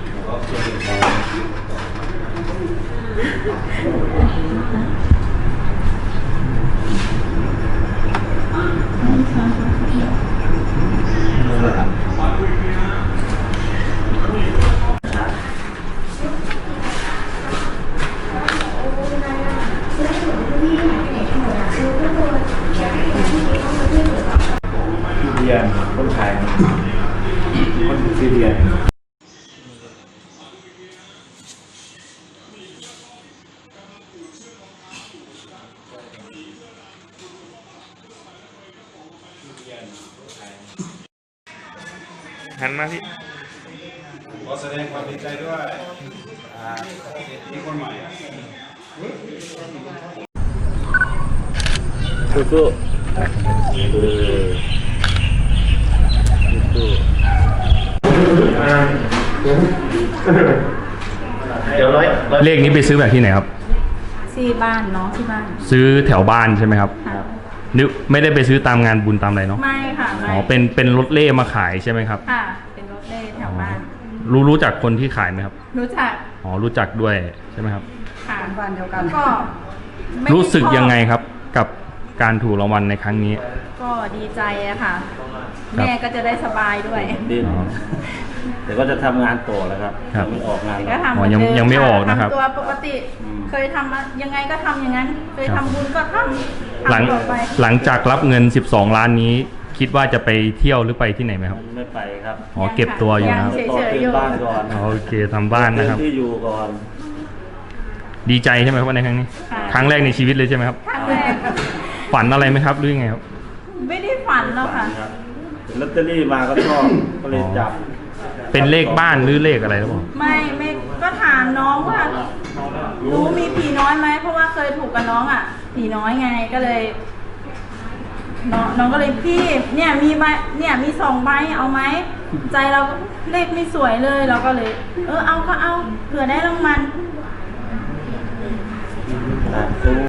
เรียนคนขายคนซีเรียนหันมาพี่ขอแสดงความดีใจด้วยมีคนใหม่สู้เดี๋ยวเลขนี้ไปซื้อแบบที่ไหนครับที่บ้านน้องที่บ้านซื้อแถวบ้านใช่ไหมครับนึกไม่ได้ไปซื้อตามงานบุญตามอะไรเนาะไม่ค่ะไม่อ๋อเป็นรถเล่มาขายใช่ไหมครับค่ะเป็นรถเล่แถวบ้านรู้จักคนที่ขายไหมครับรู้จักอ๋อรู้จักด้วยใช่ไหมครับค่ะบ้านเดียวกันก็รู้สึกยังไงครับกับการถูกรางวัลในครั้งนี้ก็ดีใจอะค่ะแม่ก็จะได้สบายด้วยดีแต่ก็จะทำงานต่อแล้วครับไม่ออกงานก็ทำยังไม่ออกนะครับตัวปกติเคยทำยังไงก็ทำอย่างนั้นเคยทำบุญก็ทำหลังจากรับเงิน12 ล้านนี้คิดว่าจะไปเที่ยวหรือไปที่ไหนไหมครับไม่ไปครับอ๋อเก็บตัวอยู่นะครับต่อเติมบ้านก่อนโอเคทำบ้านนะครับที่อยู่ก่อนดีใจใช่ไหมครับในครั้งนี้ครั้งแรกในชีวิตเลยใช่ไหมครับครั้งแรกฝันอะไรไหมครับหรือไงครับไม่ได้ฝันแล้วค่ะลอตเตอรี่มาก็ชอบก็เลยจับเป็นเลขบ้านหรือเลขอะไรหรือเปล่าไม่ก็ถามน้องว่ารู้มีผีน้อยไหมเพราะว่าเคยถูกกับน้องอ่ะผีน้อยไงก็เลยน้องก็เลยพี่เนี่ยมีใบเนี่ยมี2 ใบเอาไหมใจเราเลขไม่สวยเลยเราก็เลยเอาก็เอาเผื่อได้รางวัล